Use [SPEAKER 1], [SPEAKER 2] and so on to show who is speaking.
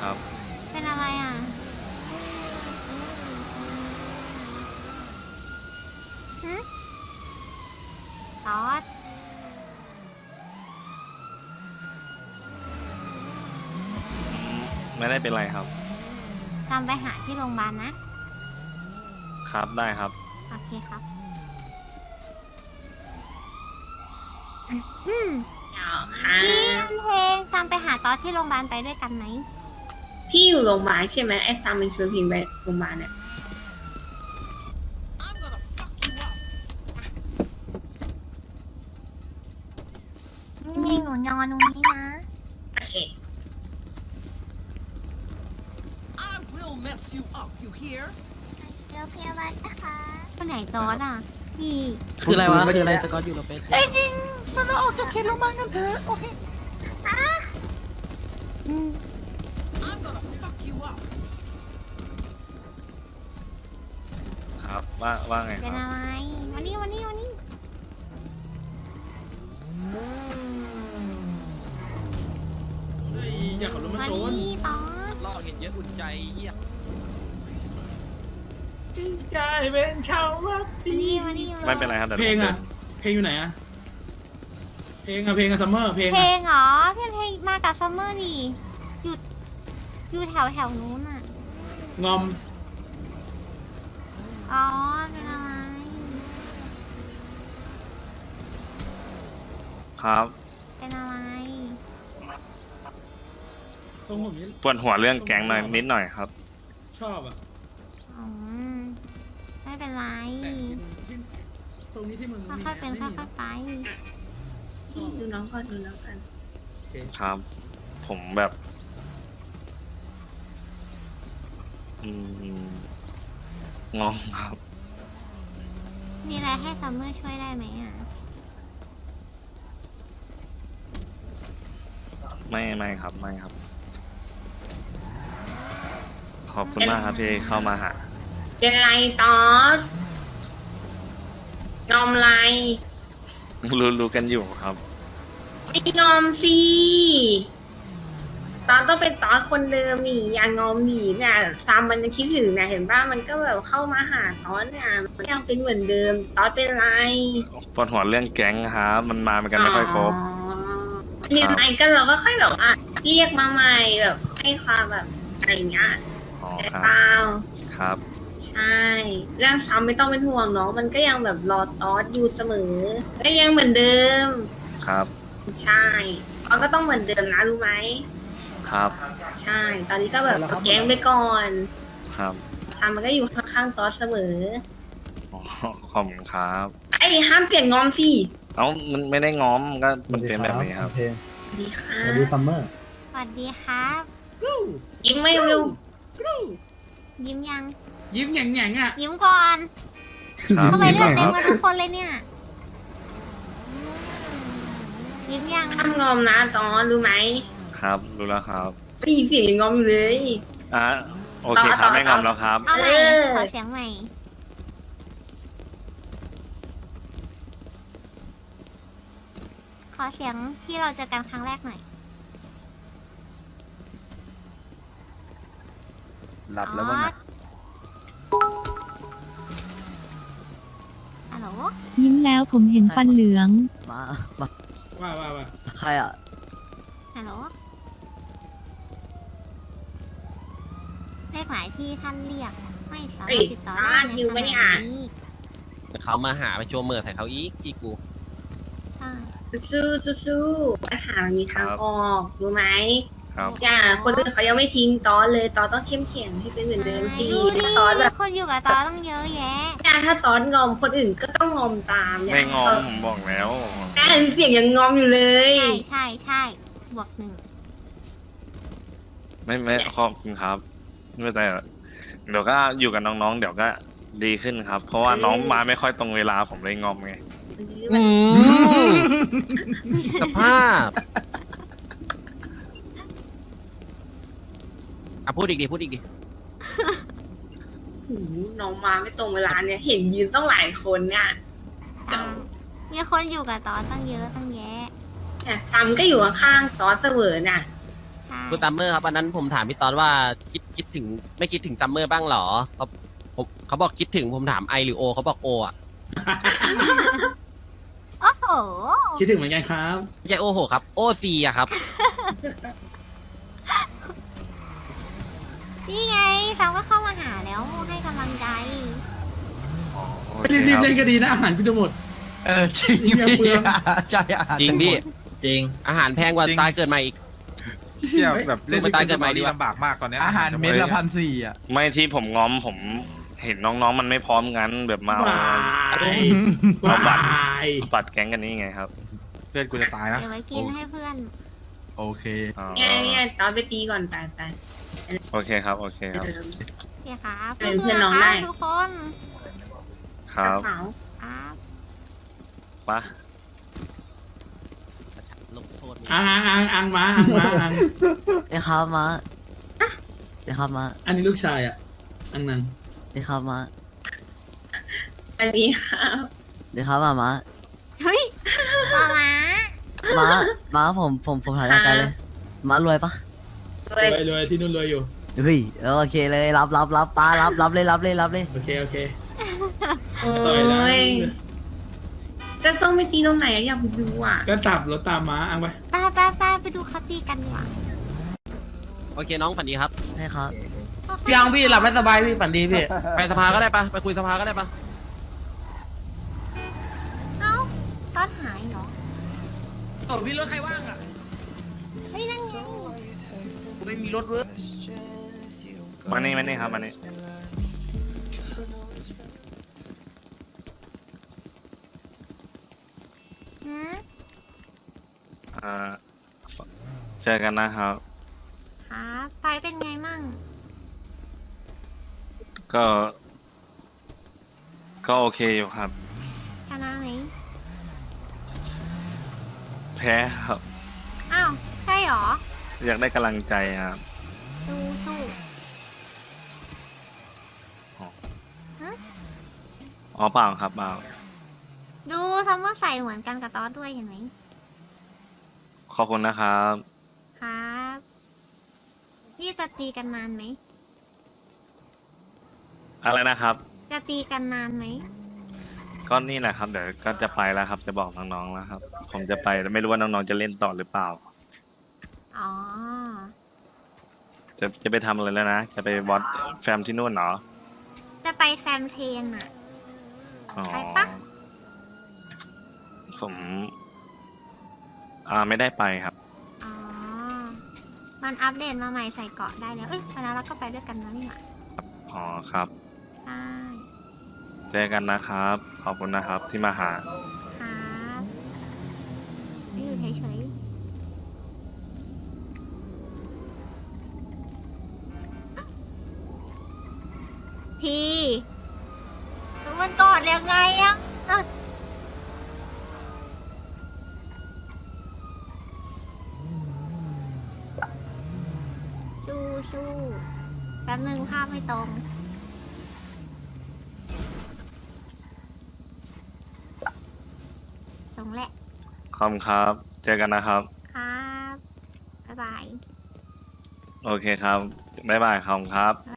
[SPEAKER 1] ครับ
[SPEAKER 2] เป็นอะไรอ่ะฮึตอด
[SPEAKER 1] ไม่ได้เป็นไรครับ
[SPEAKER 2] ตามไปหาที่โรงพยาบาลนะ
[SPEAKER 1] ครับได้ครับ
[SPEAKER 2] โอเคครับ
[SPEAKER 3] เอาค่ะ
[SPEAKER 2] พี่เพลงซัมไปหาตอสที่โรงพยาบาลไปด้วยกันไหม
[SPEAKER 3] พี่อยู่โรงพยาบาลใช่ไหมไอ้ซามมันชวนพิงไปโรงพยาบาลเนี่ย
[SPEAKER 2] นี่หนูนอนตรงนี้นะ
[SPEAKER 3] โอเค
[SPEAKER 4] I will mess you up, you hear?
[SPEAKER 2] เดี๋ยวพยาบาลนะคะคนไหนตอสอ่ะ พี่
[SPEAKER 5] คืออะไรวะ คืออะไรสกอตอยู่โรเปส
[SPEAKER 4] มันออกจากเขตโรงพยาบาลกันเถอะโอเค
[SPEAKER 2] อืม
[SPEAKER 4] I'm gonna fuck you up
[SPEAKER 1] ครับว่าไงค
[SPEAKER 2] เป็น
[SPEAKER 1] รับ
[SPEAKER 2] อะไร วันนี้
[SPEAKER 5] อยากขับรถมา
[SPEAKER 2] วัน
[SPEAKER 5] ชน
[SPEAKER 2] นี้ตอส
[SPEAKER 5] ลอกเห็นเยอะอุ่นใจเฮีย
[SPEAKER 6] กลายเป็นเขาว่าดี
[SPEAKER 2] วันนี้
[SPEAKER 1] ไม่เป็นไรครับแต่
[SPEAKER 6] เพลงอ่ะ เพลงอยู่ไหนอ่ะ เพลงอะซัมเมอร์เพลง
[SPEAKER 2] เพล
[SPEAKER 6] อะ
[SPEAKER 2] งเหรอเพลงมากับซัมเมอร์นี่อยู่แถวนู้นอ่ะ
[SPEAKER 6] งอม
[SPEAKER 2] อ๋อ เป็นอะไร
[SPEAKER 1] ครับ
[SPEAKER 2] เป็นอะไร
[SPEAKER 6] ทรงผมนี้
[SPEAKER 1] ปวดหัวเรื่องแก๊งหน่อยนิดหน่อยครับ
[SPEAKER 6] ชอบอ่ะ
[SPEAKER 2] อืมไม่เป็นไร
[SPEAKER 6] แต่ที่ทรงนี้ที่มึงมี
[SPEAKER 2] ค่อยๆเป็น
[SPEAKER 6] ไม่
[SPEAKER 2] ค่
[SPEAKER 6] มี
[SPEAKER 2] อยๆไป
[SPEAKER 3] พี่ดูน้องก่อนดูน้องกัน
[SPEAKER 6] โอเค
[SPEAKER 1] ครับ ผมแบบ อืมงงครับ
[SPEAKER 2] มีอะไรให้ซัมเมอร์ช่วยได้ไหมอ่ะ
[SPEAKER 1] ไม่ครับไม่ครับ ขอบคุณมากครับที่เข้ามาหา
[SPEAKER 3] เป็นไรตอสงอมไร
[SPEAKER 1] รู้กันอยู่ครับ
[SPEAKER 3] ไอ้งอมสิตอนต้องเป็นตอสคนเดิมนี่อย่างงอมหนีเนี่ยซามมันจะคิดถึงนะเห็นป่ะมันก็แบบเข้ามาหาตอสเนี่ยมันยังเป็นเหมือนเดิมตอสเป็นไร
[SPEAKER 1] ปวดหัวเรื่องแก๊งครับมันมากันไม่ค่อยครบ
[SPEAKER 3] มีอะไรกันเราก็ค่อยแบบว่าเรียกมาใหม่แบบให้ความแบบอะไรอย่างเงี้ย
[SPEAKER 1] อ๋อ
[SPEAKER 3] ใจ
[SPEAKER 1] ครับ
[SPEAKER 3] เปล่า
[SPEAKER 1] ครับ
[SPEAKER 3] ใช่เรื่องซ้ำไม่ต้องเป็นห่วงเนาะมันก็ยังแบบรอตอสอยู่เสมอก็ยังเหมือนเดิม
[SPEAKER 1] ครับ
[SPEAKER 3] ใช่ตอสก็ต้องเหมือนเดิมนะรู้ไหม
[SPEAKER 1] ครับ
[SPEAKER 3] ใช่ ตอนนี้ก็แบบแย้งไปก่อน
[SPEAKER 1] ครับ
[SPEAKER 3] ทำมันก็อยู่ข้างๆตอสเสมอ
[SPEAKER 1] อ๋อขอบคุณครับ
[SPEAKER 3] ไอ้ห้ามเสียงงอมสิ
[SPEAKER 1] เอ้ามันไม่ได้ง้อมก็มันเป็นแบบนี้ครับ
[SPEAKER 7] เพลง
[SPEAKER 3] สวัสดีค่ะ
[SPEAKER 7] สวัสดีซัมเมอร์
[SPEAKER 2] สวัสดีครับ
[SPEAKER 3] ยิ้มไม่เร็ว
[SPEAKER 2] ยิ้มยัง
[SPEAKER 6] ยิ้มแหง่งๆอ่ะ
[SPEAKER 2] ยิ้มก่อน
[SPEAKER 1] ครับ
[SPEAKER 2] ทำไมเลือด
[SPEAKER 1] ค
[SPEAKER 2] เต็ม
[SPEAKER 1] รับ
[SPEAKER 2] กันทุกคนเลยเนี่ย ยิ้มยัง
[SPEAKER 3] ห้ามงอมนะตอสรู้ไหม
[SPEAKER 1] ครับรู้แล้วครับ
[SPEAKER 3] ได้ยินเสียงยังงอมอยู่เลย
[SPEAKER 1] อ่ะโอเคครับไม่งอมแล้วครับ
[SPEAKER 2] เอาใหม่
[SPEAKER 3] เออ
[SPEAKER 2] ขอเสียงใหม่ ขอเสียงที่เราเจอกันครั้งแรกหน่อย
[SPEAKER 7] หลับแล้วมั้งนะ
[SPEAKER 2] ฮัลโหล
[SPEAKER 8] ยิ้มแล้วผมเห็นฟันเหลือง
[SPEAKER 7] มา
[SPEAKER 6] ว่า
[SPEAKER 7] ใครอ่ะ
[SPEAKER 2] ฮัลโหลเลขหมายที่ท่านเรียก ไม่สามารถติดต่อได้ในขณะนี้
[SPEAKER 5] เขามาหาไปโชว์เมื่อใส่เขาอีกกู
[SPEAKER 2] ใช่
[SPEAKER 3] สู้ปัญหามันมีทางออกรู้ไหม
[SPEAKER 1] ครับ
[SPEAKER 3] อย่าคนอื่นเขายังไม่ทิ้งตอสเลยตอสต้องเข้มแข็งให้เป็นเหมือนเดิมสิ
[SPEAKER 2] ดูดิ
[SPEAKER 3] ถ้าตอสแบบ
[SPEAKER 2] คนอยู่กับตอต้องเยอะแยะ
[SPEAKER 3] ถ้าตอสงอมคนอื่นก็ต้องงอมตาม
[SPEAKER 1] ไม่งอมผมบอกแล้ว
[SPEAKER 3] เสียงยังงอมอยู่เลย
[SPEAKER 2] ใช่บวกหนึ่ง
[SPEAKER 1] ไม่ขอบคุณครับ ไม่แต่เดี๋ยวก็อยู่กับน้องๆ เดี๋ยวก็ดีขึ้นครับ เพราะว่าน้องมาไม่ค่อยตรงเวลาผมเลยงอมไง
[SPEAKER 5] สภาพอ่ะพูดอีกดิ
[SPEAKER 3] หูน้องมาไม่ตรงเวลาเนี่ย เห็นยืนต้องหลายคนเนี่ย
[SPEAKER 2] มีคนอยู่กับตอตั้งเยอะตั้งแยะ
[SPEAKER 3] เนี่ยซัมก็อยู่ข้างๆตอสเสมอน่ะ
[SPEAKER 2] ใช่
[SPEAKER 5] คุณซัมเมอร์ครับอันนั้นผมถามพี่ตอนว่าคิดถึงไม่คิดถึงซัมเมอร์บ้างเหรอเขาบอกคิดถึงผมถามไอหรือโอเขาบอกโออ่ะ
[SPEAKER 2] โอ้โห
[SPEAKER 6] คิดถึงเหมือนกันครับ
[SPEAKER 5] ไม่ใช่โอโหครับโอซีอะครับ
[SPEAKER 2] นี่ไงซัมก็เข้ามาหาแล้วให้กำลังใจ
[SPEAKER 1] อ๋อโอ
[SPEAKER 6] ไม่
[SPEAKER 1] เค
[SPEAKER 6] รีบ
[SPEAKER 1] ครับ
[SPEAKER 6] เล่นก็ดีนะอาหารกูจะหมด
[SPEAKER 7] จริง
[SPEAKER 6] เหี้ยเปลือง
[SPEAKER 7] ใช่อาหาร
[SPEAKER 5] จริงพี่
[SPEAKER 9] จริง
[SPEAKER 5] อาหารแพงกว่าตายเกิดใหม่อีก
[SPEAKER 9] เที่ยวแบบเล่น
[SPEAKER 5] มาตายเกิดใหม่ดีกว่า
[SPEAKER 9] ลำบากมากตอนเนี้ย
[SPEAKER 7] อาหารเม็ดละ1,400อ่ะ
[SPEAKER 1] ไม่ที่ผมง้อมผมเห็นน้องๆมันไม่พร้อมกันแบบมาเอา
[SPEAKER 6] วาย
[SPEAKER 1] เอาบัตร
[SPEAKER 6] วาย
[SPEAKER 1] ปัดแก๊งกันนี่ไงครับ
[SPEAKER 9] เพื่อนกูจะตายนะ
[SPEAKER 2] เดี๋ยวไว้กินให้เพื่อน
[SPEAKER 7] โอเค
[SPEAKER 1] อ๋อ
[SPEAKER 3] เนี่ยตอนไปตีก่อนไป
[SPEAKER 1] โอเคครับโอเคครับ
[SPEAKER 2] โอเคครับ
[SPEAKER 3] เออเพื่อนน้อง
[SPEAKER 2] สู้ๆะ
[SPEAKER 3] ได้
[SPEAKER 2] คะทุกคน
[SPEAKER 1] ครับ
[SPEAKER 3] กระเป๋า
[SPEAKER 2] ครับ
[SPEAKER 1] ปะ
[SPEAKER 5] ลงโทษ
[SPEAKER 6] อังมาอัง
[SPEAKER 7] เดี๋ยวครับมาเดี๋ยวครับมา
[SPEAKER 6] อันนี้ลูกชายอ่ะ อังนัง
[SPEAKER 7] เดี๋ยวครับมา
[SPEAKER 3] อันนี้ครับ
[SPEAKER 7] เดี๋ยวครับมา
[SPEAKER 2] เฮ้ยมามา
[SPEAKER 7] มาผมถ่ายใจเลยมารวยปะ
[SPEAKER 3] ด้วย
[SPEAKER 6] รวยที่นู่นรวยอยู่
[SPEAKER 7] เฮ้ยโอเคเลยรับป้ารับเลย
[SPEAKER 6] โอเค
[SPEAKER 3] โอ้
[SPEAKER 6] ต่อยแล้ว
[SPEAKER 3] ยก็ต้องไปตีตรงไหนอะอยากไปดูอ่ะ
[SPEAKER 6] ก็ตับรถตามม้าอังไป
[SPEAKER 2] ไปดูเขาตีกันดีกว่า
[SPEAKER 5] โอเคน้องฝันดีครับ
[SPEAKER 7] ให้ครับ
[SPEAKER 10] ยังพี่หลับไม่สบายพี่ฝันดีพี่
[SPEAKER 5] ไปสภาก็ได้ปะไปคุยสภาก็ได้ปะ
[SPEAKER 2] เอ้าต้นหายเหรอ
[SPEAKER 10] โอ้พี่รถใครว่างอ่ะ
[SPEAKER 2] เฮ้ยนั่นไง
[SPEAKER 10] ไม่มีรถเว้ย
[SPEAKER 1] มานี่ครับมานี่
[SPEAKER 2] หืม
[SPEAKER 1] อ่าเจอกันนะครับ
[SPEAKER 2] ครับไฟเป็นไงมั่ง
[SPEAKER 1] ก็โอเคอยู่ครับ
[SPEAKER 2] ชนะไหม
[SPEAKER 1] แพ้ครับ
[SPEAKER 2] อ้าวใช่เหรอ
[SPEAKER 1] อยากได้กำลังใจครับ
[SPEAKER 2] สู้
[SPEAKER 1] อ๋อเปล่าครับเปล่า
[SPEAKER 2] ดูซัมเมอร์ใส่เหมือนกันกับตอสด้วยเห็นไหม
[SPEAKER 1] ขอบคุณนะครับ
[SPEAKER 2] ครับพี่จะตีกันนานไหม
[SPEAKER 1] อะไรนะครับ
[SPEAKER 2] จะตีกันนานไหม
[SPEAKER 1] ก็นี่แหละครับเดี๋ยวก็จะไปแล้วครับ จะบอกน้องๆแล้วครับ ผมจะไปแต่ไม่รู้ว่าน้องๆจะเล่นต่อหรือเปล่า
[SPEAKER 2] อ๋อ
[SPEAKER 1] จะไปทำอะไรแล้วนะ จะไปวอตแฟมที่นู่นเหรอ
[SPEAKER 2] จะไปแฟมเทนอะ
[SPEAKER 1] อ๋อ
[SPEAKER 2] ไปปะ
[SPEAKER 1] ผมไม่ได้ไปครับ
[SPEAKER 2] อ๋อ มันอัปเดตมาใหม่ใส่เกาะได้แล้ว เอ้ยไปแล้วเราก็ไปด้วยกันแล้วนี่หว่า
[SPEAKER 1] อ๋อครับ
[SPEAKER 2] ใช่
[SPEAKER 1] เจอกันนะครับ ขอบคุณนะครับที่มาหา
[SPEAKER 2] ครับไม่อยู่เฉยๆทีมันกอดยังไงอะสู้แป๊บนึงภาพไม่ตรง ตรงแหละ
[SPEAKER 1] ขอบคุณครับ เจอกันนะครับ
[SPEAKER 2] ครับ บ๊ายบาย
[SPEAKER 1] โอเคครับ บ๊ายบายขอบคุณครับ